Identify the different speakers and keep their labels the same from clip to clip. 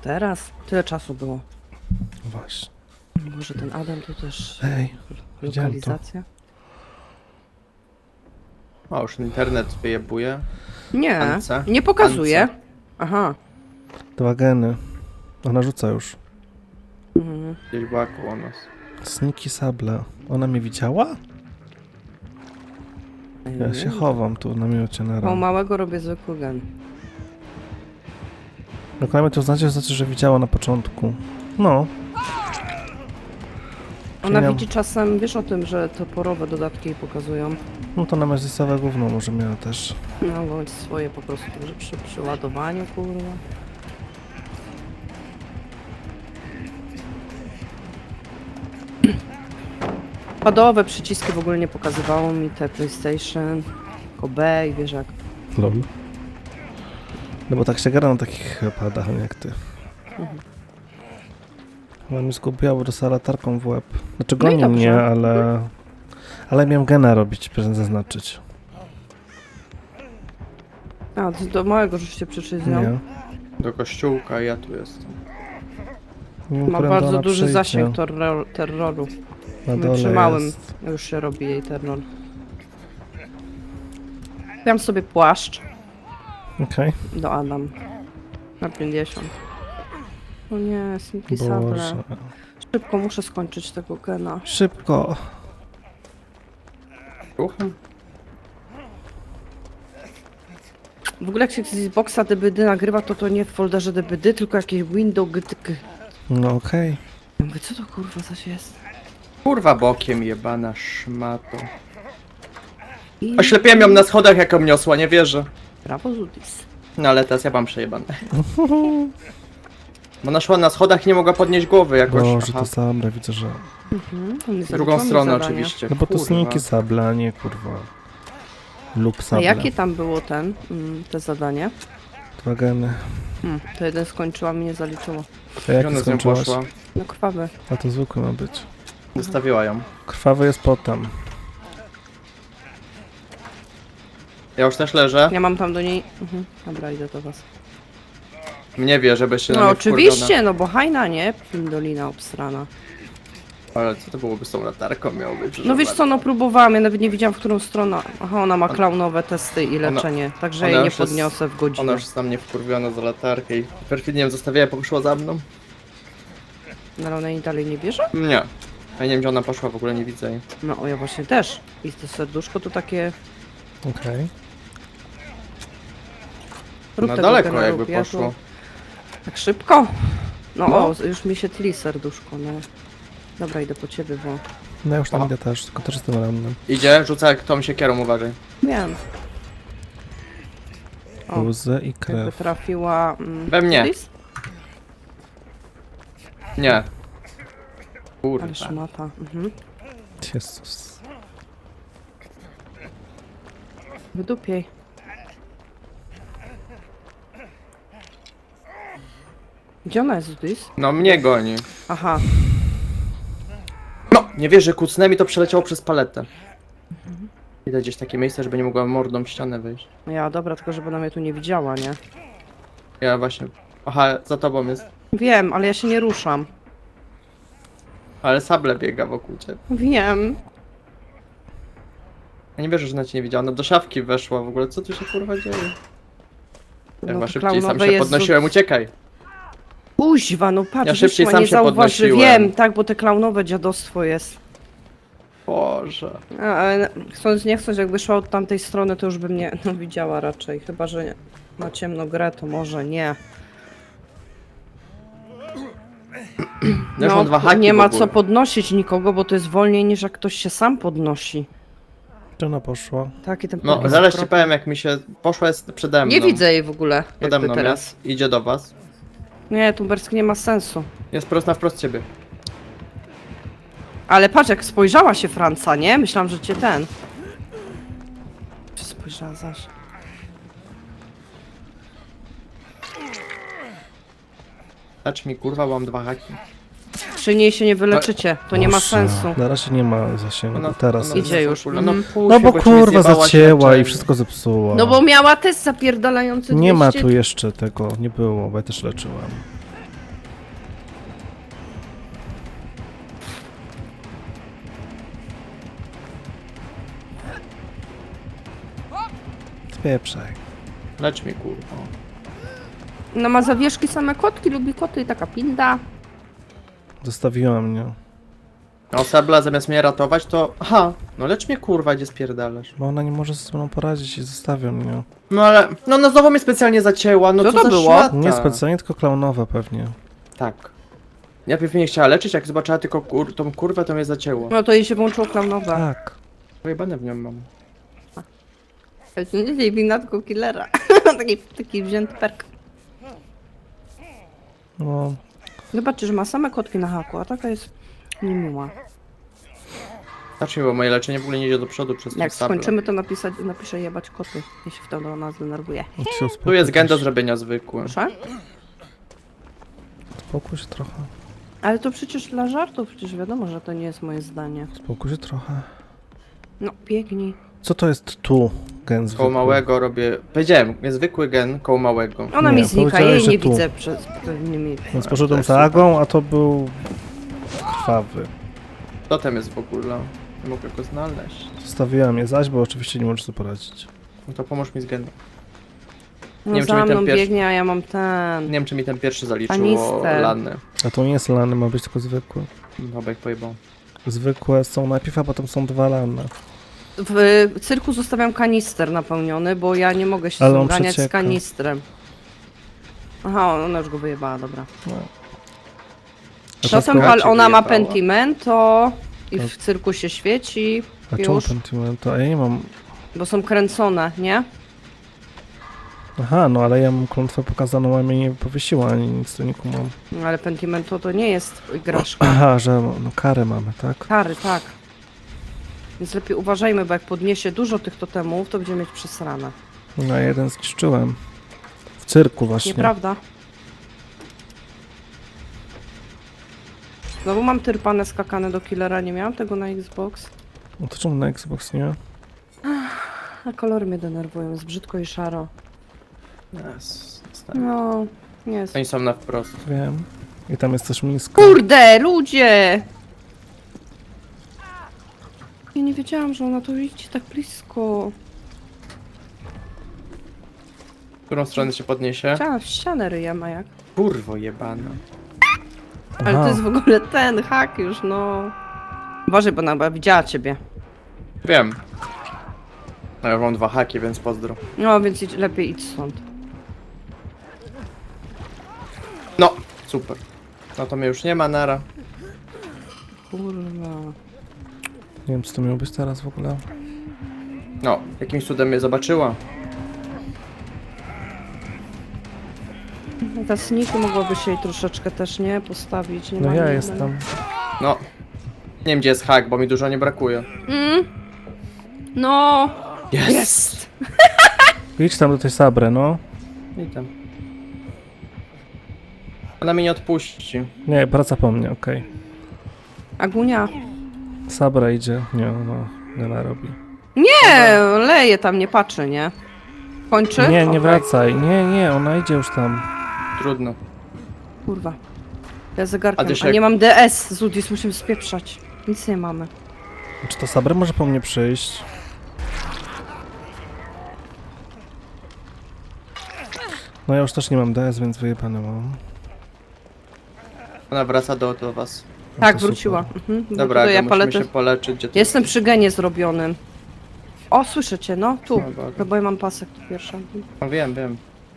Speaker 1: teraz? Tyle czasu było.
Speaker 2: Właśnie.
Speaker 1: Może ten Adam to też
Speaker 2: Ej, widziałem to.
Speaker 1: lokalizacja?
Speaker 3: O, już internet wyjebuje.
Speaker 1: Nie,
Speaker 3: Ance?
Speaker 1: nie pokazuje.
Speaker 3: Ance.
Speaker 1: Aha.
Speaker 2: 2 geny. Ona rzuca już.
Speaker 1: Mhm.
Speaker 3: Gdzieś była koło nas.
Speaker 2: Sniki sable. Ona mnie widziała? Ja się chowam tu na miocie na
Speaker 1: Po
Speaker 2: ran.
Speaker 1: małego robię zwykły gen.
Speaker 2: Jak ona mnie to znaczy, że widziała na początku. No.
Speaker 1: Ona
Speaker 2: Ja-
Speaker 1: widzi czasem, wiesz o tym, że toporowe dodatki jej pokazują.
Speaker 2: No to na Mezlisowe gówno może miała też.
Speaker 1: No bądź swoje po prostu, że przy ładowaniu, kurwa. Padowe przyciski w ogóle nie pokazywało mi, te PlayStation, tylko B i wiesz jak.
Speaker 2: Lol. No bo tak się gra na takich padach jak ty. Chyba mi zgubiało do latarką w łeb. Znaczy
Speaker 1: No i
Speaker 2: goni
Speaker 1: dobrze.
Speaker 2: mnie, ale... Ale miałem gena robić, proszę zaznaczyć.
Speaker 1: A, do małego żeście przyszli z nią.
Speaker 2: Nie.
Speaker 3: Do kościółka, ja tu jestem.
Speaker 2: Nie wiem,
Speaker 1: Ma
Speaker 2: którędy
Speaker 1: bardzo
Speaker 2: ona
Speaker 1: duży
Speaker 2: przyjdzie.
Speaker 1: zasięg terroru.
Speaker 2: Na
Speaker 1: My
Speaker 2: dole
Speaker 1: przy małym
Speaker 2: jest.
Speaker 1: już się robi jej terror. Dam sobie płaszcz
Speaker 2: Okej.
Speaker 1: do Adam. Na 50. O nie, Sneaky Sable.
Speaker 2: Boże.
Speaker 1: Szybko muszę skończyć tego gena.
Speaker 2: Szybko.
Speaker 3: Ruchem?
Speaker 1: W ogóle jak się z Xboxa DBD nagrywa, to nie w folderze DBD, tylko jakieś window gtk.
Speaker 2: No okej.
Speaker 1: Ja mówię, co to kurwa coś jest?
Speaker 3: Kurwa bokiem jebana szmato.
Speaker 1: I...
Speaker 3: Oślepiłem ją na schodach jak ją niosła, nie wierzę.
Speaker 1: Brawo Zudis.
Speaker 3: No ale teraz ja mam przejebane. Bo ona szła na schodach i nie mogła podnieść głowy jakoś.
Speaker 2: Boże,
Speaker 3: Aha.
Speaker 2: to Sabra, widzę, że...
Speaker 3: W drugą stronę oczywiście.
Speaker 2: No bo to
Speaker 3: Kurwa.
Speaker 2: sniki Sabla, a nie kurwa. Lub
Speaker 1: A
Speaker 2: Sabla.
Speaker 1: jakie tam było te zadanie?
Speaker 2: 2 geny.
Speaker 1: To jeden skończyłam i nie zaliczyło.
Speaker 2: A
Speaker 3: Gdzie
Speaker 2: jak
Speaker 3: ona z nią
Speaker 2: skończyłaś?
Speaker 3: poszła?
Speaker 1: No krwawy.
Speaker 2: A to zwykły ma być.
Speaker 3: Zostawiła ją.
Speaker 2: Krwawy jest potem.
Speaker 3: Ja już też leżę.
Speaker 1: Ja mam tam do niej... Dobra, idę do was.
Speaker 3: Mnie wie, żeby się na
Speaker 1: No
Speaker 3: mnie
Speaker 1: oczywiście, no bo hajna, nie? Pindolina obstrana.
Speaker 3: Ale co to byłoby z tą latarką miało być?
Speaker 1: No wiesz co, no próbowałam, ja nawet nie wiedziałam, w którą stronę. Aha, ona ma klaunowe testy i
Speaker 3: Ona-
Speaker 1: leczenie, także
Speaker 3: ona
Speaker 1: jej nie
Speaker 3: już jest-
Speaker 1: podniosę w
Speaker 3: Ona
Speaker 1: godzinę.
Speaker 3: już jest na mnie wkurwiona za latarkę i perfidnie ją zostawiła i poszła za mną.
Speaker 1: No ale ona jej dalej nie bierze?
Speaker 3: Nie. Ja nie wiem gdzie ona poszła, w ogóle nie widzę jej.
Speaker 1: No o, ja właśnie też. I to serduszko to takie...
Speaker 2: Okej.
Speaker 1: Rób
Speaker 3: Na
Speaker 1: tego
Speaker 3: daleko
Speaker 1: gena,
Speaker 3: jakby
Speaker 1: rób, ja tu-
Speaker 3: poszło.
Speaker 1: Tak szybko? No,
Speaker 3: No.
Speaker 1: o, już mi się tli serduszko, no. Dobra, idę po ciebie, bo...
Speaker 2: No ja już tam
Speaker 3: Aha.
Speaker 2: idę też, tylko też jestem rannym.
Speaker 3: Idzie, rzuca jak tą siekierą, uważaj.
Speaker 1: Wiem. O,
Speaker 2: Łzy i
Speaker 1: jakby
Speaker 2: krew.
Speaker 1: trafiła...
Speaker 3: We mnie.
Speaker 1: Lis?
Speaker 3: Nie.
Speaker 1: Ale
Speaker 3: Kurwa.
Speaker 1: szmata.
Speaker 2: Jezus.
Speaker 1: Wydupiej. Gdzie ona jest, Lis?
Speaker 3: No mnie goni.
Speaker 1: Aha.
Speaker 3: No! Nie wierzę, kucnęmi to przeleciało przez paletę. Idę gdzieś takie miejsce, żeby nie mogła mordą w ścianę wyjść.
Speaker 1: No ja, dobra, tylko żeby ona mnie tu nie widziała, nie?
Speaker 3: Ja właśnie... Aha, za tobą jest.
Speaker 1: Wiem, ale ja się nie ruszam.
Speaker 3: Ale sable biega wokół ciebie.
Speaker 1: Wiem.
Speaker 3: Ja nie wierzę, że ona cię nie widziała. Ona do szafki weszła w ogóle. Co tu się kurwa dzieje? Ja chyba
Speaker 1: to
Speaker 3: szybciej sam
Speaker 1: klaunowe
Speaker 3: się
Speaker 1: jest
Speaker 3: podnosiłem, uciekaj.
Speaker 1: Kuźwa, no patrz,
Speaker 3: Ja szybciej
Speaker 1: wyszła,
Speaker 3: sam
Speaker 1: nie
Speaker 3: się
Speaker 1: zauważy.
Speaker 3: podnosiłem.
Speaker 1: Wiem, tak, bo te klaunowe dziadostwo jest.
Speaker 3: Boże.
Speaker 1: Ale chcąc nie chcąc, jakby szła od tamtej strony, to już bym nie no, widziała raczej. Chyba, że nie. Ma ciemno grę, to może nie.
Speaker 3: Ja już mam 2 haki
Speaker 1: nie
Speaker 3: w
Speaker 1: ma
Speaker 3: ogóle.
Speaker 1: co podnosić nikogo, bo to jest wolniej niż jak ktoś się sam podnosi.
Speaker 2: Gdzie ona poszła?
Speaker 1: Taki ten
Speaker 3: No,
Speaker 1: pokój
Speaker 3: zaraz ci
Speaker 1: zwrotny.
Speaker 3: powiem jak mi się... Poszła jest przede mną.
Speaker 1: Nie widzę jej w ogóle,
Speaker 3: Przede
Speaker 1: jakby
Speaker 3: mną
Speaker 1: teraz.
Speaker 3: jest. Idzie do was.
Speaker 1: Nie, Tumberski nie ma sensu.
Speaker 3: Jest prosto na wprost ciebie.
Speaker 1: Ale patrz, jak spojrzała się Franca, nie? Myślałam, że cię ten. Czy spojrzała zaś?
Speaker 3: Zacz mi kurwa, bo mam 2 haki.
Speaker 1: Przy niej się nie wyleczycie, to nie ma
Speaker 2: Boże,
Speaker 1: sensu.
Speaker 2: Na razie nie ma zasięgu,
Speaker 3: Ona-
Speaker 2: teraz.
Speaker 3: ona
Speaker 1: Idzie
Speaker 3: jest
Speaker 1: już.
Speaker 3: kurwa,
Speaker 1: Mhm.
Speaker 3: pół
Speaker 2: No
Speaker 3: się,
Speaker 2: bo
Speaker 3: ci
Speaker 2: kurwa
Speaker 3: zjebała
Speaker 2: zacięła
Speaker 3: świeczeń.
Speaker 2: i wszystko zepsuła.
Speaker 1: No bo miała test zapierdalający 200...
Speaker 2: Nie ma tu jeszcze tego, nie było, bo ja też leczyłem. Pieprzaj.
Speaker 3: Lecz mi, kurwa.
Speaker 1: No ma zawieszki same kotki, lubi koty i taka pinda.
Speaker 2: Zostawiła mnie.
Speaker 3: No Sabla zamiast mnie ratować, to... Aha, no lecz mnie, kurwa, gdzie spierdalasz.
Speaker 2: Bo ona nie może ze sobą poradzić i zostawia mnie.
Speaker 3: No ale... No, no znowu mnie specjalnie zacięła, no
Speaker 1: Co
Speaker 3: co
Speaker 1: to
Speaker 3: za
Speaker 1: było?
Speaker 3: szmata.
Speaker 2: Nie specjalnie, tylko klaunowa pewnie.
Speaker 3: Tak. Najpierw mnie chciała leczyć, jak zobaczyła tylko tą kurwę, to mnie zacięło.
Speaker 1: No to jej się włączyło klaunowe.
Speaker 2: Tak.
Speaker 3: Pojebane w nią mam.
Speaker 1: To jest nie wina, tylko killera. taki wzięty perk.
Speaker 2: No,
Speaker 1: Zobaczcie, że ma same kotki na haku, a taka jest niemiła.
Speaker 3: Znaczy, bo moje leczenie w ogóle nie idzie do przodu przez tą
Speaker 1: Jak
Speaker 3: Sablę.
Speaker 1: skończymy, to napiszę jebać koty, jeśli w to nas zdenerwuje.
Speaker 2: idź się
Speaker 3: Tu
Speaker 2: uspokój
Speaker 3: jest gen do
Speaker 2: też.
Speaker 3: zrobienia zwykły.
Speaker 1: Proszę?
Speaker 2: Spokój się trochę.
Speaker 1: Ale to przecież dla żartów, przecież wiadomo, że to nie jest moje zdanie.
Speaker 2: Spokój się trochę.
Speaker 1: No, biegnij.
Speaker 2: Co to jest tu? Gen
Speaker 3: Koło
Speaker 2: zwykły.
Speaker 3: małego robię... Powiedziałem, zwykły gen koło małego.
Speaker 1: Ona
Speaker 2: Nie,
Speaker 1: mi znika,
Speaker 2: powiedziałeś,
Speaker 1: jej
Speaker 2: że
Speaker 1: nie
Speaker 2: tu.
Speaker 1: widzę przez pewnymi...
Speaker 2: Więc poszedłem
Speaker 3: jest
Speaker 2: za Agą, a to był krwawy.
Speaker 3: Totem jest w ogóle. Nie mogę go znaleźć.
Speaker 2: Zostawiłem je zaś, bo oczywiście nie możesz sobie poradzić.
Speaker 3: No to pomóż mi z genem.
Speaker 1: No
Speaker 3: Nie wiem, czy
Speaker 1: za
Speaker 3: mi ten
Speaker 1: mną
Speaker 3: pierwszy-
Speaker 1: biegnie, a ja mam
Speaker 3: Nie
Speaker 1: ten...
Speaker 3: wiem, czy mi ten pierwszy zaliczyło
Speaker 1: Kanister.
Speaker 3: lany.
Speaker 2: A to nie jest lany, ma być tylko zwykły.
Speaker 3: Dobra, jak pojebał.
Speaker 2: Zwykłe są najpierw, a potem są dwa lane.
Speaker 1: W cyrku zostawiam kanister napełniony, bo ja nie mogę się
Speaker 2: Ale on
Speaker 1: zganiać z
Speaker 2: przecieka.
Speaker 1: kanistrem. Aha, ona już go wyjebała, dobra.
Speaker 2: No.
Speaker 3: A
Speaker 1: Potem
Speaker 3: skoro cię
Speaker 1: ona ma
Speaker 3: wyjebała?
Speaker 1: pentimento i w cyrku się świeci,
Speaker 2: A czemu
Speaker 1: już,
Speaker 2: pentimento? A ja nie mam...
Speaker 1: bo są kręcone, nie?
Speaker 2: Aha, no ale ja mam klątwę pokazaną, a mnie nie powiesiła, ani nic tu nie kumam.
Speaker 1: No, ale pentimento to nie jest igraszka.
Speaker 2: Aha, że no karę mamy, tak?
Speaker 1: Kary, tak. Więc lepiej uważajmy, bo jak podniesie dużo tych totemów, to będziemy mieć przesrane.
Speaker 2: No jeden zniszczyłem. W cyrku właśnie.
Speaker 1: Nieprawda? Znowu mam tyrpane skakane do killera, nie miałam tego na Xbox.
Speaker 2: No to czemu na Xbox nie?
Speaker 1: A kolory mnie denerwują, jest brzydko i szaro.
Speaker 3: Yes.
Speaker 1: No, nie jest.
Speaker 3: Oni są na wprost.
Speaker 2: Wiem. I tam jest też miska.
Speaker 1: Kurde, ludzie! Ja nie wiedziałam, że ona tu idzie tak blisko.
Speaker 3: W którą stronę się podniesie?
Speaker 1: Chciałam w ścianę ryjem, a jak?
Speaker 3: Kurwo jebana.
Speaker 1: Ale to
Speaker 2: Aha.
Speaker 1: jest w ogóle ten hak już, no. Uważaj, bo ona widziała ciebie.
Speaker 3: Wiem. No ja mam 2 haki, więc pozdro.
Speaker 1: No, więc lepiej idź stąd.
Speaker 3: No, super. No to mnie już nie ma, nara.
Speaker 1: Kurwa.
Speaker 2: Nie wiem, co to miało być teraz w ogóle.
Speaker 3: No, jakimś cudem mnie zobaczyła.
Speaker 1: Ta sneaky mogłaby się jej troszeczkę też, nie? Postawić, nie
Speaker 2: No
Speaker 1: ma
Speaker 2: ja
Speaker 1: nie-
Speaker 2: jestem.
Speaker 3: No. Nie wiem, gdzie jest hak, bo mi dużo nie brakuje.
Speaker 1: No!
Speaker 3: Jest!
Speaker 2: Idź tam do tej Sabry, no.
Speaker 3: I tam. Ona mnie nie odpuści.
Speaker 2: Nie, praca po mnie, okej.
Speaker 1: Agunia.
Speaker 2: Sabra idzie. Nie, no, Nela robi.
Speaker 1: Nie, leje tam, nie patrzy, nie? Kończy?
Speaker 2: Nie, nie
Speaker 1: Okej.
Speaker 2: wracaj. Nie, nie, ona idzie już tam.
Speaker 3: Trudno.
Speaker 1: Kurwa. Ja zegarkiem,
Speaker 3: A ty się
Speaker 1: a
Speaker 3: jak-
Speaker 1: nie mam DS, Zudis, musimy spieprzać. Nic nie mamy.
Speaker 2: Czy to Sabra może po mnie przyjść? No ja już też nie mam DS, więc wyjebane mam.
Speaker 3: Ona wraca do was.
Speaker 2: No
Speaker 1: Tak,
Speaker 2: to
Speaker 1: wróciła.
Speaker 2: super.
Speaker 1: Mhm. bo
Speaker 3: Dobra,
Speaker 1: tutaj
Speaker 3: ja
Speaker 1: ja
Speaker 3: musimy
Speaker 1: paletę...
Speaker 3: się poleczyć. Gdzie to
Speaker 1: Jestem przy genie zrobionym. O, słyszę cię, no, tu.
Speaker 3: No, dobra.
Speaker 1: No, bo ja mam pasek tu pierwsza.
Speaker 3: No, wiem, wiem.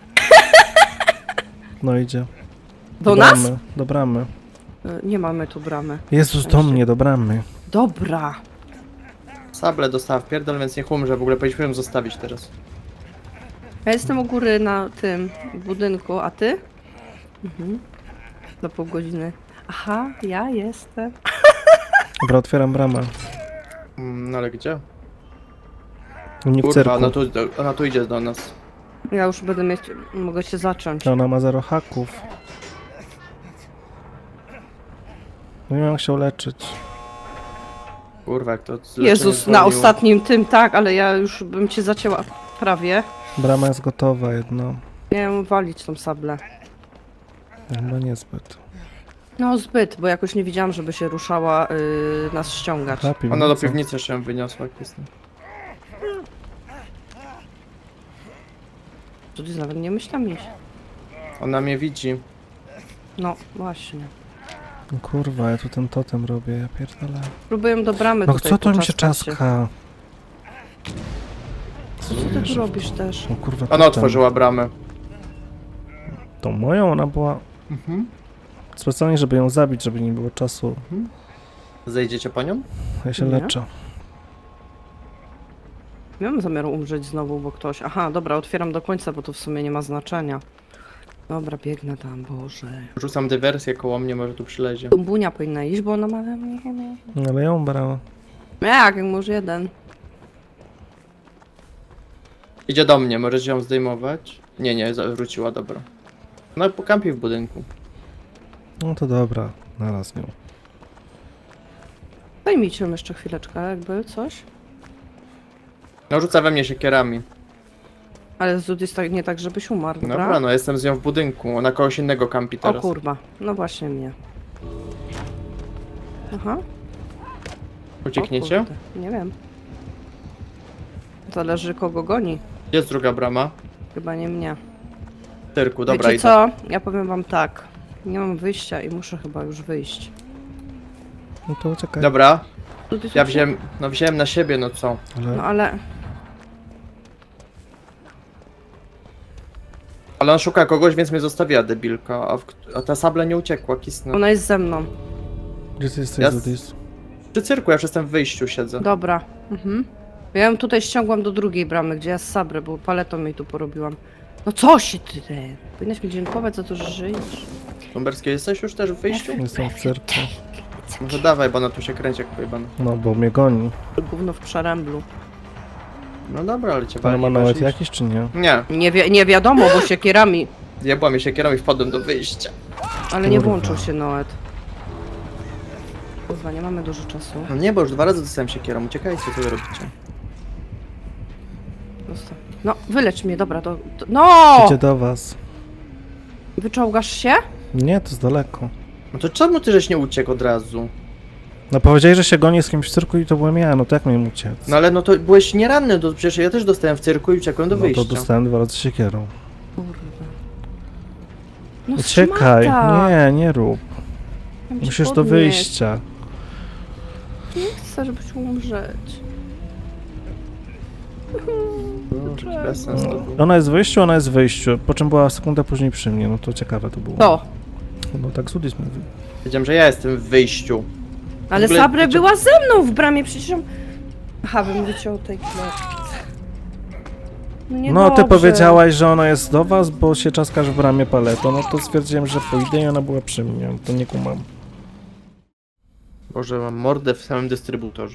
Speaker 2: No idzie.
Speaker 1: Do nas?
Speaker 2: bramy, do bramy.
Speaker 1: Nie mamy tu bramy.
Speaker 2: Jezus, do mnie, do bramy.
Speaker 1: Dobra.
Speaker 3: Sable dostała w pierdol, więc niech umrze. W ogóle powinniśmy ją zostawić teraz.
Speaker 1: Ja jestem u góry na tym budynku, a ty? Mhm. Do pół godziny. Aha, ja jestem.
Speaker 2: Dobra, otwieram bramę.
Speaker 3: No ale gdzie?
Speaker 2: Nie w
Speaker 3: Kurwa,
Speaker 2: cyrku.
Speaker 3: ona tu idzie do nas.
Speaker 1: Ja już będę mieć... Mogę się zacząć.
Speaker 2: Ona ma 0 haków. No nie mam jak się leczyć.
Speaker 3: Kurwa, jak to
Speaker 1: Jezus,
Speaker 3: leczenie
Speaker 1: na
Speaker 3: zwolniło.
Speaker 1: ostatnim tym, tak, ale ja już bym cię zacięła prawie.
Speaker 2: Brama jest gotowa jedno.
Speaker 1: Miałem walić tą sablę.
Speaker 2: Chyba niezbyt.
Speaker 1: No zbyt, bo jakoś nie widziałam, żeby się ruszała nas ściągać.
Speaker 2: Happy,
Speaker 3: Ona do
Speaker 2: co?
Speaker 3: piwnicy jeszcze ją wyniosła, jak jest.
Speaker 1: Zudis nawet nie myślałam iść.
Speaker 3: Ona mnie widzi.
Speaker 1: No, właśnie.
Speaker 2: No kurwa, ja tu ten totem robię, ja pierdolę.
Speaker 1: Próbuję do bramy
Speaker 2: No
Speaker 1: tutaj
Speaker 2: co to mi się
Speaker 1: poczaskać
Speaker 2: czaska?
Speaker 1: Co ty tu robisz też?
Speaker 2: No kurwa,
Speaker 3: Ona
Speaker 2: totem.
Speaker 3: otworzyła bramę.
Speaker 2: Tą moją, ona była
Speaker 3: Mhm.
Speaker 2: specjalnie, żeby ją zabić, żeby nie było czasu.
Speaker 3: Zejdziecie po nią?
Speaker 2: Ja się
Speaker 1: Nie.
Speaker 2: leczę.
Speaker 1: Nie mam zamiaru umrzeć znowu, bo ktoś... Aha, dobra, otwieram do końca, bo to w sumie nie ma znaczenia. Dobra, biegnę tam, Boże.
Speaker 3: Rzucam dywersję koło mnie, może tu przylezie.
Speaker 1: Dumbunia powinna iść, bo ona ma...
Speaker 2: No ale ją brała.
Speaker 1: Jak może jeden.
Speaker 3: Idzie do mnie, możecie ją zdejmować? Nie, wróciła, dobra. No po kampi w budynku.
Speaker 2: No to dobra, naraz nią.
Speaker 1: Zajmijcie ją jeszcze chwileczkę, jakby coś.
Speaker 3: No rzuca we mnie siekierami.
Speaker 1: Ale Zudis tak, nie tak, żebyś umarł, dobra?
Speaker 3: Dobra, no jestem z nią w budynku, ona kogoś innego kampi
Speaker 1: O
Speaker 3: teraz.
Speaker 1: kurwa, no właśnie mnie. Aha. o
Speaker 3: Uciekniecie?
Speaker 1: kurde, Nie wiem. Zależy kogo goni.
Speaker 3: Gdzie jest druga brama?
Speaker 1: Chyba nie mnie.
Speaker 3: W cyrku, dobra,
Speaker 1: Wiecie
Speaker 3: idę.
Speaker 1: co? Ja powiem wam tak. Nie mam wyjścia i muszę chyba już wyjść.
Speaker 2: No to uciekaj.
Speaker 3: Dobra,
Speaker 1: Zudis
Speaker 3: ja
Speaker 1: uciekł?
Speaker 3: wziąłem na siebie, no co?
Speaker 2: Ale
Speaker 1: No ale...
Speaker 3: Ale on szuka kogoś, więc mnie zostawiła debilka, a ta sabla nie uciekła, kisnę.
Speaker 1: Ona jest ze mną.
Speaker 2: gdzie ty jesteś,
Speaker 3: Ja
Speaker 2: Zudis?
Speaker 3: Przy cyrku, ja już jestem w wyjściu siedzę.
Speaker 1: Dobra. Mhm. Ja ją tutaj ściągłam do drugiej bramy, gdzie ja z Sabrę, bo paletą jej tu porobiłam. No co się ty? Powinnaś mi dziękować za to, że żyjesz.
Speaker 3: Lumberski, jesteś już też w wyjściu?
Speaker 2: Jestem w cyrku.
Speaker 3: Może dawaj, bo ona tu się kręci jak pojebana.
Speaker 2: No bo mnie goni.
Speaker 1: Gówno w przeręblu.
Speaker 3: No dobra, ale cię
Speaker 2: Ale
Speaker 3: wali,
Speaker 2: ma
Speaker 3: masz
Speaker 2: nawet
Speaker 3: iść.
Speaker 2: jakiś czy nie?
Speaker 3: Nie,
Speaker 1: Nie wiadomo, bo siekierami.
Speaker 3: jebła mnie siekierą i wpadłem do wyjścia.
Speaker 1: Ale nie
Speaker 2: Kurwa.
Speaker 1: włączył się Noet. Kurwa, nie mamy dużo czasu.
Speaker 3: No nie, bo już 2 razy dostałem siekierą, uciekajcie, co wy robicie?
Speaker 1: Zostaw. No, wylecz mnie, dobra, No!
Speaker 2: Idzie do was.
Speaker 1: Wyczołgasz się?
Speaker 2: Nie, to jest daleko.
Speaker 3: No to czemu ty żeś nie uciekł od razu?
Speaker 2: No powiedziałeś, że się goni z kimś w cyrku i to byłem ja, no to jak miałem uciec?
Speaker 3: No ale no to byłeś nieranny, przecież ja też dostałem w cyrku i uciekłem do
Speaker 2: No
Speaker 3: wyjścia.
Speaker 2: to dostałem 2 razy siekierą.
Speaker 1: Kurwa. No
Speaker 2: Uciekaj,
Speaker 1: szmata.
Speaker 2: nie rób.
Speaker 1: Chciałam cię
Speaker 2: Musisz do
Speaker 1: podnieść.
Speaker 2: wyjścia.
Speaker 1: Nie chcę, żebyś umrzeć.
Speaker 3: No, bez sensu to było.
Speaker 2: Ona jest w wyjściu, po czym była sekundę później przy mnie, no to ciekawe to było.
Speaker 1: To.
Speaker 2: No tak Zudis mówi.
Speaker 3: Wiedziałem, że ja jestem w wyjściu.
Speaker 1: Ale
Speaker 3: ogóle
Speaker 1: Sabre
Speaker 3: wiecie-
Speaker 1: była ze mną w bramie, przecież ją... Aha, wy mówicie o tej klatce.
Speaker 2: No ty
Speaker 1: niedobrze.
Speaker 2: powiedziałaś, że ona jest do was, bo się czaskasz w bramie paletą, no to stwierdziłem, że pójdę i ona była przy mnie, to nie kumam.
Speaker 3: Boże, mam mordę w samym dystrybutorze.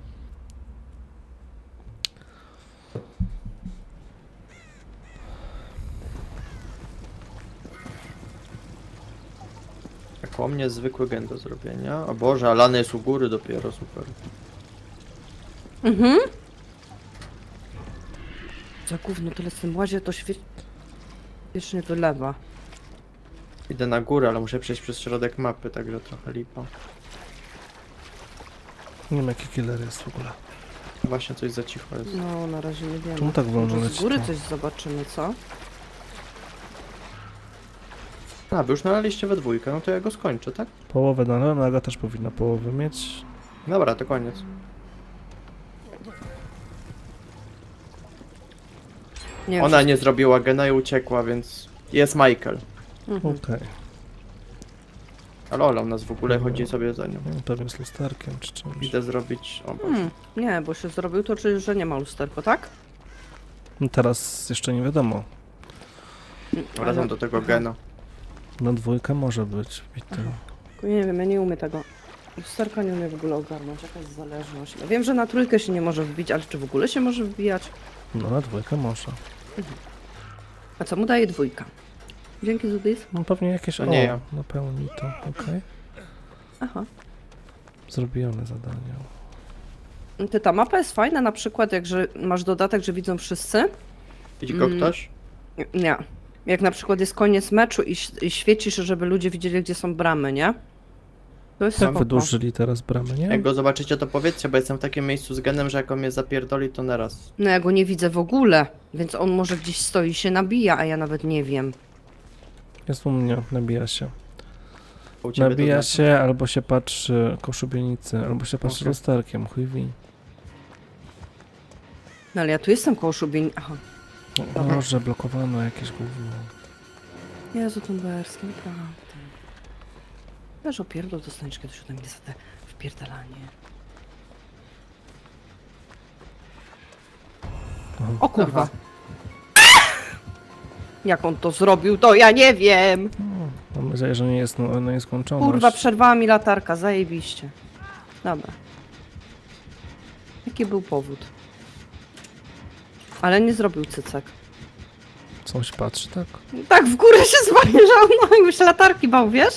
Speaker 3: Jak o mnie zwykły gen do zrobienia. O Boże, a lany jest u góry dopiero, super.
Speaker 1: Mhm. Za gówno tyle z tym łazie, to wiecznie wylewa.
Speaker 3: Idę na górę, ale muszę przejść przez środek mapy, także trochę lipa.
Speaker 2: Nie wiem jaki killer jest w ogóle.
Speaker 3: Właśnie coś za cicho jest.
Speaker 1: No, na razie nie wiemy.
Speaker 2: Czemu tak wolno
Speaker 1: Może z
Speaker 2: leci
Speaker 1: góry
Speaker 2: to?
Speaker 1: coś zobaczymy, co?
Speaker 3: A, wy już nalaliście we dwójkę, no to ja go skończę, tak?
Speaker 2: Połowę dałem, Aga też powinna połowę mieć.
Speaker 3: Dobra, to koniec.
Speaker 1: Nie wiem,
Speaker 3: Ona
Speaker 1: czy-
Speaker 3: nie zrobiła gena i uciekła, więc jest Michael.
Speaker 1: Mhm.
Speaker 2: Okej.
Speaker 3: Ale Ola u nas w ogóle chodzi sobie za nią.
Speaker 2: No, pewnie z lusterkiem czy czymś.
Speaker 3: Idę zrobić... O Boże.
Speaker 1: Nie, bo się zrobił, to czyli, że nie ma lusterko, tak?
Speaker 2: No teraz jeszcze nie wiadomo.
Speaker 3: Wracam do tego gena.
Speaker 2: Na dwójkę może być bity.
Speaker 1: Nie wiem, ja nie umiem tego. Lusterka nie umiem w ogóle ogarnąć, jaka jest zależność. Ja wiem, że na trójkę się nie może wbić, ale czy w ogóle się może wbijać?
Speaker 2: No na dwójkę może.
Speaker 1: A co mu daje dwójka? Dzięki, Zudis.
Speaker 2: No pewnie jakieś...
Speaker 3: To nie ja.
Speaker 2: Napełni to, okej.
Speaker 1: Aha.
Speaker 2: Zrobione zadanie.
Speaker 1: Ta mapa jest fajna, na przykład jak że masz dodatek, że widzą wszyscy.
Speaker 3: Widzi go ktoś?
Speaker 1: Nie. Jak na przykład jest koniec meczu i świecisz, żeby ludzie widzieli, gdzie są bramy, nie? To jest
Speaker 2: Tak
Speaker 1: spoko.
Speaker 2: wydłużyli teraz bramę, nie?
Speaker 3: Jak go zobaczycie, to powiedzcie, bo jestem w takim miejscu z genem, że jak on mnie zapierdoli, to naraz.
Speaker 1: No ja go nie widzę w ogóle, więc on może gdzieś stoi i się nabija, a ja nawet nie wiem.
Speaker 2: Jest u mnie, nabija się.
Speaker 3: U ciebie to
Speaker 2: Nabija
Speaker 3: znaczy?
Speaker 2: się, albo się patrzy koło szubienicy, albo się patrzy
Speaker 3: Okej.
Speaker 2: lusterkiem, chuj wi.
Speaker 1: No ale ja tu jestem koło szubień. Aha.
Speaker 2: O Boże, blokowano jakieś gówno.
Speaker 1: Jezu, Tumberski, naprawdę. Wiesz, opierdol dostaniesz kiedyś ode mnie za te wpierdalanie. O kurwa.
Speaker 3: Aha.
Speaker 1: Jak on to zrobił, to ja nie wiem.
Speaker 2: Mam nadzieję, że nie jest nieskończona.
Speaker 1: Kurwa, przerwała mi latarka, zajebiście. Dobra. Jaki był powód? Ale nie zrobił cycek.
Speaker 2: Coś patrzy, tak?
Speaker 1: Tak, w górę się zamierzał, no i już latarki bał, wiesz?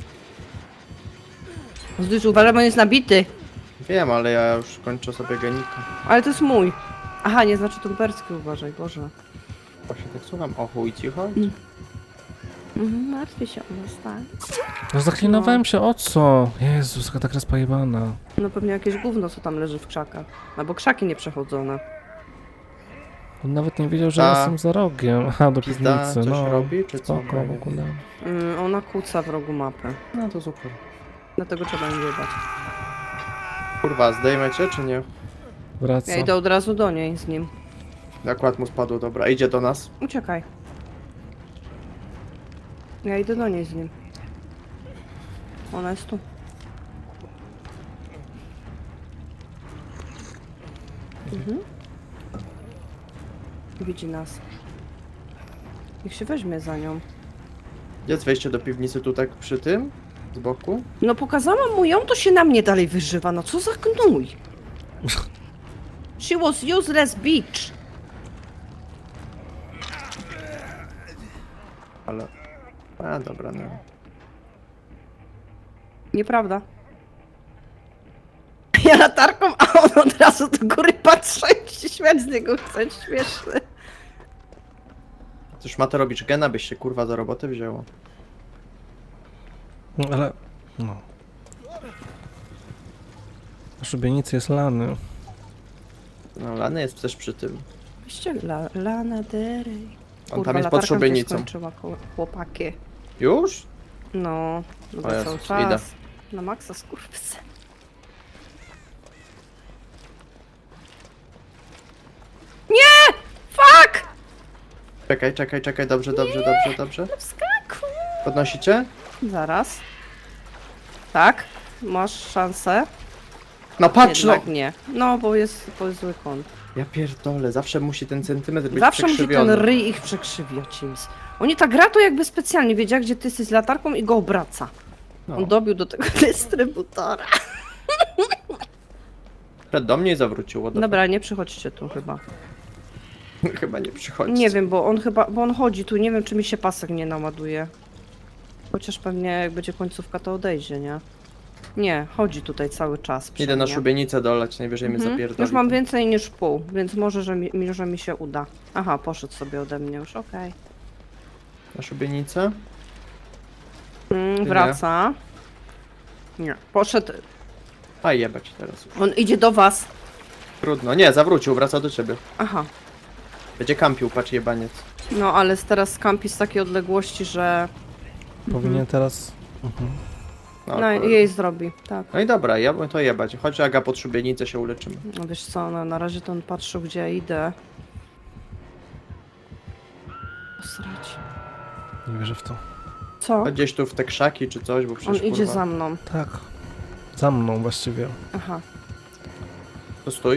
Speaker 1: Zdysz, uważam, on jest nabity.
Speaker 3: Wiem, ale ja już kończę sobie genika.
Speaker 1: Ale to jest mój. Aha, nie znaczy tumberski, uważaj, Boże.
Speaker 3: Właśnie tak słucham. O chuj ci chodzi.
Speaker 1: Martwię się o nas, tak?
Speaker 2: No zaklinowałem się, o co? Jezus, jaka tak rozpajebana.
Speaker 1: No pewnie jakieś gówno, co tam leży w krzakach. Albo krzaki nieprzechodzone.
Speaker 2: On nawet nie wiedział, że
Speaker 3: Ta
Speaker 2: ja jestem za rogiem. Aha, do
Speaker 3: Pizda
Speaker 2: piwnicy,
Speaker 3: coś
Speaker 2: no.
Speaker 3: robi, czy co?
Speaker 2: Spoko,
Speaker 3: Ja
Speaker 2: w
Speaker 3: nie
Speaker 2: ogóle.
Speaker 3: wiem.
Speaker 1: Ona kłóca w rogu mapy.
Speaker 3: No to super.
Speaker 1: Dlatego trzeba ją jebać.
Speaker 3: Kurwa, zdejmę cię, czy nie?
Speaker 2: Wraca.
Speaker 1: Ja idę od razu do niej z nim.
Speaker 3: Akurat mu spadło, dobra. Idzie do nas.
Speaker 1: Uciekaj. Ja idę do niej z nim. Ona jest tu. Widzi nas. Niech się weźmie za nią.
Speaker 3: Gdzie jest wejście do piwnicy? Tu tak przy tym? Z boku?
Speaker 1: No pokazałam mu ją, to się na mnie dalej wyżywa. No co za gnój. She was useless bitch.
Speaker 3: Ale... A, dobra, no.
Speaker 1: Nieprawda. Ja latarką, a on od razu do góry patrzy i się śmiać z niego chce. Śmieszny.
Speaker 3: Cóż ma to robić? Gena byś się kurwa do roboty wzięło.
Speaker 2: No, ale... No. Na szubienicy jest lany.
Speaker 3: No, Lany jest też przy tym.
Speaker 1: Wyście Lana Derej.
Speaker 3: On tam jest
Speaker 1: latarka
Speaker 3: pod
Speaker 1: mi się
Speaker 3: szubienicą.
Speaker 1: skończyła, chłopaki.
Speaker 3: Już?
Speaker 1: No, no
Speaker 3: O
Speaker 1: bo
Speaker 3: Jezus,
Speaker 1: cały
Speaker 3: idę.
Speaker 1: czas. Na maksa skurwysy. Nie! Fuck!
Speaker 3: Czekaj, dobrze.
Speaker 1: Wskakuj!
Speaker 3: Podnosicie?
Speaker 1: Zaraz. Tak, masz szansę.
Speaker 3: No patrz no!
Speaker 1: Jednak nie. No, bo jest zły kąt.
Speaker 3: Ja pierdolę, zawsze musi ten centymetr być
Speaker 1: Zawsze musi ten
Speaker 3: przekrzywiony.
Speaker 1: ryj ich przekrzywiać. James. Oni tak gra to jakby specjalnie wiedziała, gdzie ty jesteś z latarką i go obraca.
Speaker 3: No.
Speaker 1: On dobił do tego dystrybutora.
Speaker 3: Przed do mnie i zawrócił. what the
Speaker 1: Dobra, nie przychodźcie tu chyba.
Speaker 3: fuck. Chyba nie przychodzi.
Speaker 1: Nie wiem, bo on chodzi tu, nie wiem czy mi się pasek nie naładuje. Chociaż pewnie jak będzie końcówka to odejdzie, nie? Nie, chodzi tutaj cały czas przy
Speaker 3: Idę na
Speaker 1: mnie.
Speaker 3: szubienicę dolać, najwyżej mnie zapierdoli.
Speaker 1: Już mam więcej niż pół, więc może, że mi się uda. Aha, poszedł sobie ode mnie już, okej.
Speaker 3: Na szubienicę?
Speaker 1: Wraca. Nie, poszedł.
Speaker 3: A jebać teraz już.
Speaker 1: On idzie do was.
Speaker 3: Trudno. Nie, zawrócił, wraca do ciebie.
Speaker 1: Aha.
Speaker 3: Będzie kampił, patrz jebaniec.
Speaker 1: No, ale teraz skampi z takiej odległości, że...
Speaker 2: Powinien teraz... Mhm.
Speaker 3: No,
Speaker 1: No,
Speaker 3: kurde.
Speaker 1: jej zrobi, tak.
Speaker 3: No i dobra, ja bym to jebać. Chodź Aga pod szubienicę się uleczymy.
Speaker 1: No wiesz co, no, na razie to on patrzył, gdzie ja idę. Posrać.
Speaker 2: Nie wierzę w to.
Speaker 1: Co?
Speaker 3: Chodź gdzieś tu w te krzaki czy coś, bo
Speaker 1: On
Speaker 3: przecież
Speaker 1: idzie
Speaker 3: kurwa...
Speaker 1: za mną.
Speaker 2: Tak. Za mną właściwie.
Speaker 1: Aha.
Speaker 3: To stój.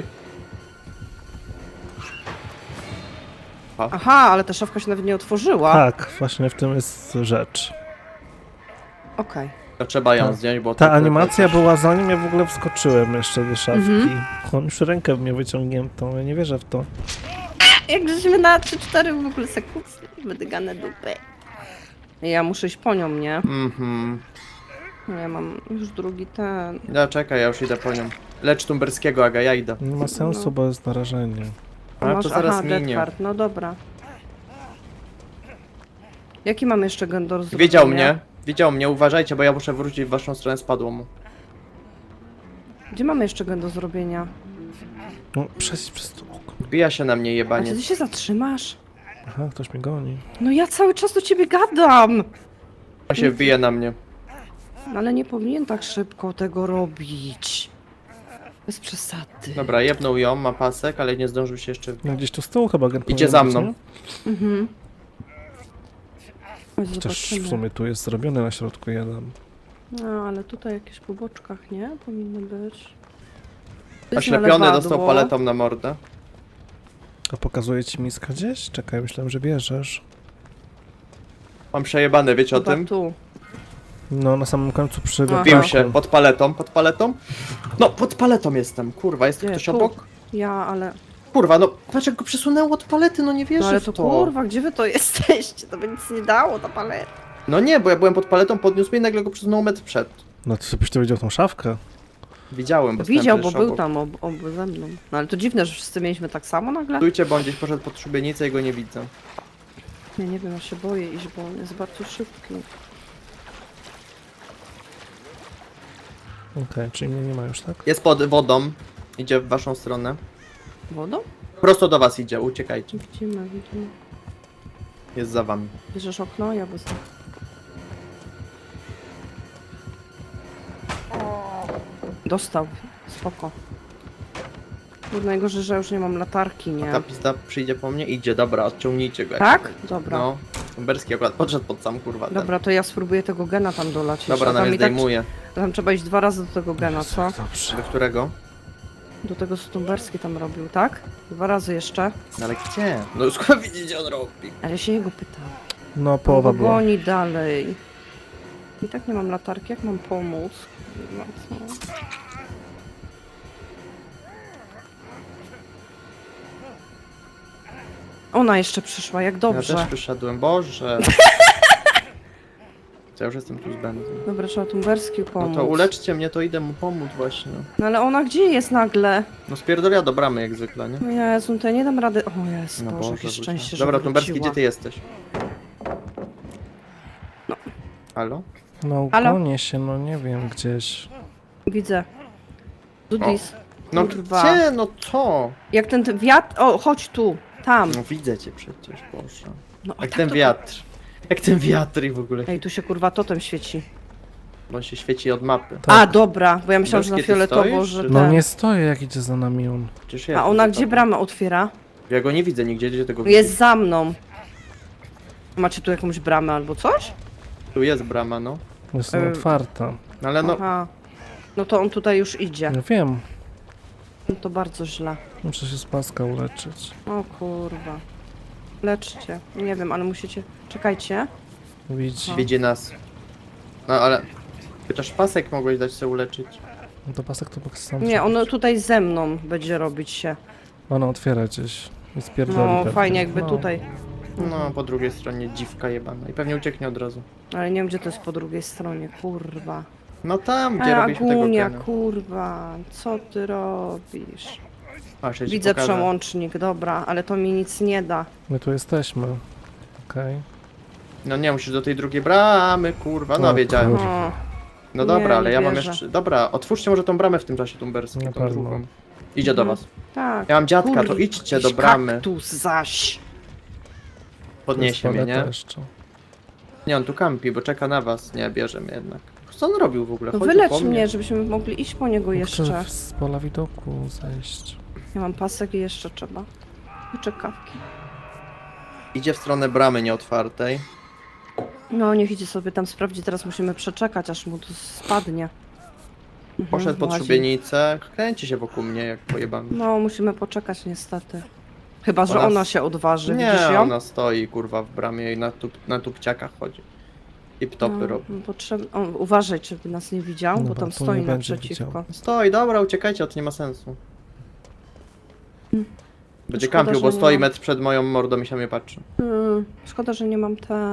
Speaker 1: Aha, ale ta szafka się nawet nie otworzyła.
Speaker 2: Tak, właśnie w tym jest rzecz.
Speaker 1: Okej.
Speaker 3: To trzeba ją
Speaker 2: Tak.
Speaker 3: zdjąć, bo...
Speaker 2: Ta
Speaker 3: to-
Speaker 2: animacja była zanim ja w ogóle wskoczyłem jeszcze do szafki. On już rękę w mnie wyciągniętą, ja nie wierzę w to.
Speaker 1: Jak żeśmy na 3-4 w ogóle sekund wydygane dupy. Ja muszę iść po nią, nie?
Speaker 3: Mhm.
Speaker 1: No ja mam już drugi ten.
Speaker 3: No czekaj, ja już idę po nią. Lecz Tumberskiego, Aga, ja idę.
Speaker 2: Nie ma sensu, bo jest narażenie.
Speaker 3: Ale to zaraz
Speaker 1: aha,
Speaker 3: minie.
Speaker 1: Dead Card, no dobra. Jaki mam jeszcze gen do zrobienia?
Speaker 3: Widział mnie. Widział mnie, uważajcie, bo ja muszę wrócić w waszą stronę, spadło mu.
Speaker 1: Gdzie mamy jeszcze gen do zrobienia?
Speaker 2: No, przez to okno.
Speaker 3: Wbija się na mnie
Speaker 1: A
Speaker 3: jebanie.
Speaker 1: czy ty się zatrzymasz?
Speaker 2: Aha, ktoś mnie goni.
Speaker 1: No ja cały czas do ciebie gadam!
Speaker 3: On się wbije na mnie.
Speaker 1: No ale nie powinien tak szybko tego robić. Bez przesady.
Speaker 3: Dobra, jebnął ją, ma pasek, ale nie zdążył się jeszcze...
Speaker 2: No gdzieś tu z tyłu chyba gen
Speaker 3: Idzie
Speaker 2: powinien
Speaker 3: za
Speaker 2: być,
Speaker 3: mną.
Speaker 2: nie?
Speaker 1: Mhm. Chodź,
Speaker 2: Chociaż
Speaker 1: zobaczymy.
Speaker 2: w sumie tu jest zrobiony na środku jeden.
Speaker 1: No, ale tutaj jakieś po boczkach, nie? Powinny być. Tu jest
Speaker 3: Oślepiony
Speaker 1: lewadło.
Speaker 3: dostał paletą na mordę.
Speaker 2: A pokazuje ci miska gdzieś? Czekaj, myślałem, że bierzesz.
Speaker 3: Mam przejebane, wiecie o
Speaker 1: Chyba
Speaker 3: tym?
Speaker 1: tu.
Speaker 2: No, na samym końcu przy
Speaker 1: Aha.
Speaker 3: Wbił
Speaker 2: wapniaku.
Speaker 3: się, pod paletą, pod paletą. No, pod paletą jestem, kurwa, jest
Speaker 1: Gdzie?
Speaker 3: ktoś
Speaker 1: Tu.
Speaker 3: obok?
Speaker 1: Ja, ale...
Speaker 3: Kurwa, no, patrz jak go przesunęło od palety, no nie
Speaker 1: No
Speaker 3: wierzę
Speaker 1: ale
Speaker 3: w
Speaker 1: to
Speaker 3: to.
Speaker 1: kurwa, gdzie wy to jesteście? To by nic nie dało, ta paleta.
Speaker 3: No nie, bo ja byłem pod paletą, podniósł mnie i nagle go przesunął metr przed.
Speaker 2: No to byś to widział tą szafkę.
Speaker 3: Widziałem, bo
Speaker 1: Widział,
Speaker 3: stałem
Speaker 1: bo
Speaker 3: przecież
Speaker 1: był
Speaker 3: obok.
Speaker 1: tam obu ze mną. No ale to dziwne, że wszyscy mieliśmy tak samo nagle.
Speaker 3: Stójcie, bo on gdzieś poszedł pod szubienicę i go nie widzę.
Speaker 1: Ja nie wiem, ja się boję iść, bo on jest bardzo szybki.
Speaker 2: Okej, czyli mnie nie ma już, tak?
Speaker 3: Jest pod wodą, idzie w waszą stronę.
Speaker 1: Wodą?
Speaker 3: Prosto do was idzie, uciekajcie.
Speaker 1: Widzimy.
Speaker 3: Jest za wami.
Speaker 1: Bierzesz okno, ja wezmę. Dostał. Spoko. Bo najgorzej, że już nie mam latarki, nie?
Speaker 3: Ta pizda przyjdzie po mnie, idzie, dobra, odciągnijcie go. jak
Speaker 1: Tak?
Speaker 3: będzie.
Speaker 1: Dobra.
Speaker 3: No, Tumberski akurat podszedł pod sam kurwa. ten.
Speaker 1: Dobra, to ja spróbuję tego gena tam dolać.
Speaker 3: Dobra,
Speaker 1: jeszcze.
Speaker 3: na
Speaker 1: Tam
Speaker 3: mnie
Speaker 1: i tak,
Speaker 3: zdejmuje.
Speaker 1: tam trzeba iść 2 razy do tego gena, co?
Speaker 2: Dobrze.
Speaker 3: Do którego?
Speaker 1: Do tego, co Tumberski tam robił, tak? 2 razy jeszcze.
Speaker 3: No ale gdzie? No już chyba widzicie, on robi.
Speaker 1: Ale się jego pytam.
Speaker 2: No, połowa
Speaker 1: On go
Speaker 2: była.
Speaker 1: goni dalej. I tak nie mam latarki, jak mam pomóc? Kurwa, co? Ona jeszcze przyszła, jak dobrze.
Speaker 3: Ja też wyszedłem, Boże. Ja już jestem tu z Benzem.
Speaker 1: Dobra, trzeba Tumberski
Speaker 3: No
Speaker 1: pomóc.
Speaker 3: to uleczcie mnie, to idę mu pomóc właśnie.
Speaker 1: No ale ona gdzie jest nagle?
Speaker 3: No spierdolia do bramy jak zwykle, nie?
Speaker 1: No Jezu, to ja nie dam rady. O Jezu,
Speaker 3: No
Speaker 1: Boże,
Speaker 3: Boże,
Speaker 1: jakie szczęście, że
Speaker 3: dobra, Tumberski,
Speaker 1: wróciła.
Speaker 3: gdzie ty jesteś?
Speaker 1: No.
Speaker 3: Halo?
Speaker 2: No,
Speaker 1: Halo?
Speaker 2: gonię się, no nie wiem, gdzieś.
Speaker 1: Widzę. Dudis.
Speaker 3: No
Speaker 1: Kurwa.
Speaker 3: gdzie? No co?
Speaker 1: Jak ten wiatr... O, chodź tu. Tam.
Speaker 3: No widzę cię przecież, Boże.
Speaker 1: No, a
Speaker 3: Jak
Speaker 1: tak
Speaker 3: ten
Speaker 1: to-
Speaker 3: wiatr. Jak ten wiatr i w ogóle.
Speaker 1: Ej, tu się kurwa totem świeci.
Speaker 3: Bo on się świeci od mapy.
Speaker 2: Tak.
Speaker 1: A, dobra, bo ja myślałam, że na
Speaker 3: Tumberski, ty
Speaker 1: fioletowo,
Speaker 3: stoisz,
Speaker 1: że
Speaker 3: czy-
Speaker 2: No
Speaker 1: ten...
Speaker 2: nie stoję, jak idzie za nami on.
Speaker 3: Przecież ja
Speaker 1: A ona
Speaker 3: tu
Speaker 1: gdzie
Speaker 3: za tobą.
Speaker 1: bramę otwiera?
Speaker 3: Ja go nie widzę nigdzie, gdzie tego
Speaker 1: Jest za mną. Macie tu jakąś bramę albo coś?
Speaker 3: Tu jest brama, no.
Speaker 2: Jest
Speaker 1: Otwarta.
Speaker 2: otwarta.
Speaker 3: No ale no,
Speaker 1: Aha. No to on tutaj już idzie.
Speaker 2: No wiem,
Speaker 1: No to bardzo źle.
Speaker 2: muszę się z paska uleczyć.
Speaker 1: O kurwa. Leczcie. Nie wiem, ale musicie... Czekajcie.
Speaker 2: Widzi.
Speaker 3: widzi nas. No ale... Chociaż pasek mogłeś dać sobie uleczyć.
Speaker 2: No to pasek to boks sam.
Speaker 1: Nie, on tutaj ze mną będzie robić się.
Speaker 2: Ona otwiera gdzieś. I spierdoli
Speaker 1: No
Speaker 2: pewnie.
Speaker 1: fajnie jakby
Speaker 2: No.
Speaker 1: tutaj.
Speaker 3: No, po drugiej stronie dziwka jebana. I pewnie ucieknie od razu.
Speaker 1: Ale nie wiem gdzie to jest po drugiej stronie, kurwa.
Speaker 3: No tam, gdzie
Speaker 1: A
Speaker 3: robiliśmy tego
Speaker 1: Agunia,
Speaker 3: gena.
Speaker 1: kurwa. Co ty robisz?
Speaker 3: A, jeszcze ci
Speaker 1: Widzę
Speaker 3: pokażę.
Speaker 1: przełącznik, dobra, ale to mi nic nie da.
Speaker 2: My tu jesteśmy. Okej.
Speaker 3: No nie, musisz do tej drugiej bramy, kurwa. No
Speaker 2: O,
Speaker 3: wiedziałem.
Speaker 2: kurwa.
Speaker 1: O,
Speaker 3: No
Speaker 1: Nie,
Speaker 3: dobra, ale
Speaker 1: nie
Speaker 3: ja mam
Speaker 1: wierzę.
Speaker 3: jeszcze... Dobra, otwórzcie może tą bramę w tym czasie, Tumberski,
Speaker 2: Na
Speaker 3: tą
Speaker 2: pewno.
Speaker 3: drugą. Idzie do was.
Speaker 1: tak.
Speaker 3: Ja mam dziadka, to
Speaker 1: Kur-
Speaker 3: idźcie do
Speaker 1: jakiś
Speaker 3: bramy.
Speaker 1: kaktus zaś.
Speaker 3: Podniesie mnie, nie?
Speaker 2: Jeszcze.
Speaker 3: Nie, on tu kampi, bo czeka na was. Nie, bierze mnie jednak. Co on robił w ogóle?
Speaker 1: No
Speaker 3: Chodził
Speaker 1: wylecz
Speaker 3: po
Speaker 1: mnie, żebyśmy mogli iść po niego jeszcze.
Speaker 2: Chcę z pola widoku zejść.
Speaker 1: Ja mam pasek i jeszcze trzeba. I czekawki.
Speaker 3: Idzie w stronę bramy nieotwartej.
Speaker 1: No niech idzie sobie tam sprawdzi, teraz musimy przeczekać, aż mu to spadnie. Mhm,
Speaker 3: Poszedł pod
Speaker 1: łazi.
Speaker 3: szubienicę. Kręci się wokół mnie jak pojebany.
Speaker 1: No musimy poczekać niestety. Chyba, że
Speaker 3: Ona
Speaker 1: ona
Speaker 3: s-
Speaker 1: się odważy,
Speaker 3: Nie,
Speaker 1: widzisz ją?
Speaker 3: ona stoi kurwa w bramie i na tupciakach chodzi. I ptopy robi.
Speaker 1: Uważaj, żeby nas nie widział, bo
Speaker 2: Dobra,
Speaker 1: tam
Speaker 2: tu
Speaker 1: stoi
Speaker 2: nie będzie
Speaker 1: naprzeciwko.
Speaker 2: widział.
Speaker 3: Stoi, dobra, uciekajcie, to nie ma sensu. Będzie
Speaker 1: Szkoda,
Speaker 3: kampił,
Speaker 1: że
Speaker 3: bo
Speaker 1: nie
Speaker 3: stoi
Speaker 1: mam.
Speaker 3: metr przed moją mordą i się mnie patrzy.
Speaker 1: Szkoda, że nie mam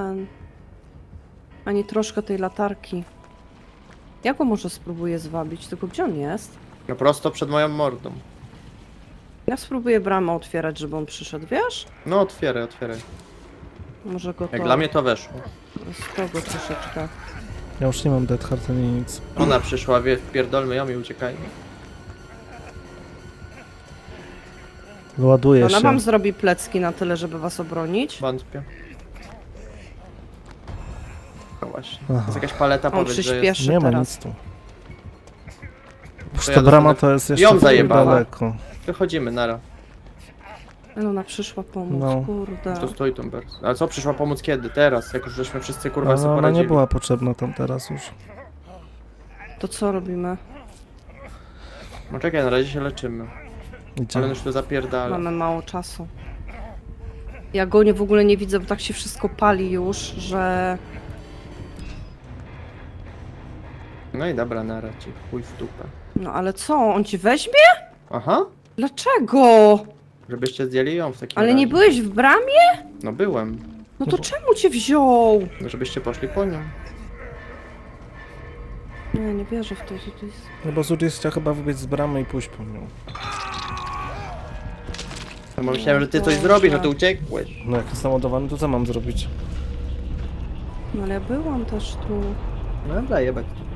Speaker 1: ani troszkę tej latarki. Ja go może spróbuję zwabić, tylko gdzie on jest?
Speaker 3: No prosto przed moją mordą.
Speaker 1: Ja spróbuję bramę otwierać, żeby on przyszedł, wiesz?
Speaker 3: No otwieraj, otwieraj.
Speaker 1: Może go to...
Speaker 3: Jak dla mnie to weszło.
Speaker 1: Z tego troszeczkę.
Speaker 2: Ja już nie mam Dead Heart ani nic.
Speaker 3: Ona przyszła, wie, pierdolmy ją i uciekajmy.
Speaker 2: Ładuję
Speaker 1: Ona
Speaker 2: się.
Speaker 1: wam zrobi plecki na tyle, żeby was obronić.
Speaker 3: Wątpię. No właśnie.
Speaker 2: Aha.
Speaker 3: Jest jakaś paleta,
Speaker 1: On
Speaker 3: powiedz, że jest.
Speaker 1: przyspieszy
Speaker 2: Nie ma
Speaker 1: teraz.
Speaker 2: nic tu. Już
Speaker 3: To
Speaker 2: ta
Speaker 3: ja
Speaker 2: brama
Speaker 3: zostanę-
Speaker 2: to jest jeszcze
Speaker 3: Ją
Speaker 2: trochę
Speaker 3: zajebała.
Speaker 2: daleko.
Speaker 3: Wychodzimy, nara.
Speaker 1: Ale ona przyszła pomóc,
Speaker 2: No.
Speaker 1: kurde.
Speaker 3: Tu stoi Tumbers. Ale co, przyszła pomóc kiedy? Teraz, jak już żeśmy wszyscy kurwa
Speaker 2: Ale
Speaker 3: sobie
Speaker 2: ona
Speaker 3: poradzili.
Speaker 2: nie była potrzebna tam teraz już.
Speaker 1: To co robimy?
Speaker 3: No czekaj, na razie się leczymy. Ale
Speaker 2: Idziemy.
Speaker 3: już tu zapierdala.
Speaker 1: Mamy mało czasu. Ja go w ogóle nie widzę, bo tak się wszystko pali już, że...
Speaker 3: No i dobra, nara ci. Chuj w dupę.
Speaker 1: No ale co, on ci weźmie?
Speaker 3: Aha.
Speaker 1: Dlaczego?
Speaker 3: Żebyście zdjęli ją w takim
Speaker 1: Ale
Speaker 3: razie.
Speaker 1: nie byłeś w bramie?
Speaker 3: No byłem.
Speaker 1: No to czemu cię wziął?
Speaker 3: No żebyście poszli po nią.
Speaker 1: Nie, nie wierzę w to, że to jest...
Speaker 2: No bo Zudis chciał chyba wybiec z bramy i pójść po nią.
Speaker 3: No bo myślałem, że ty coś
Speaker 1: Boże.
Speaker 3: zrobisz, a ty uciekłeś.
Speaker 2: No jak jest naładowany, to co mam zrobić?
Speaker 1: No ale ja byłam też tu.
Speaker 3: No dobra, jebać.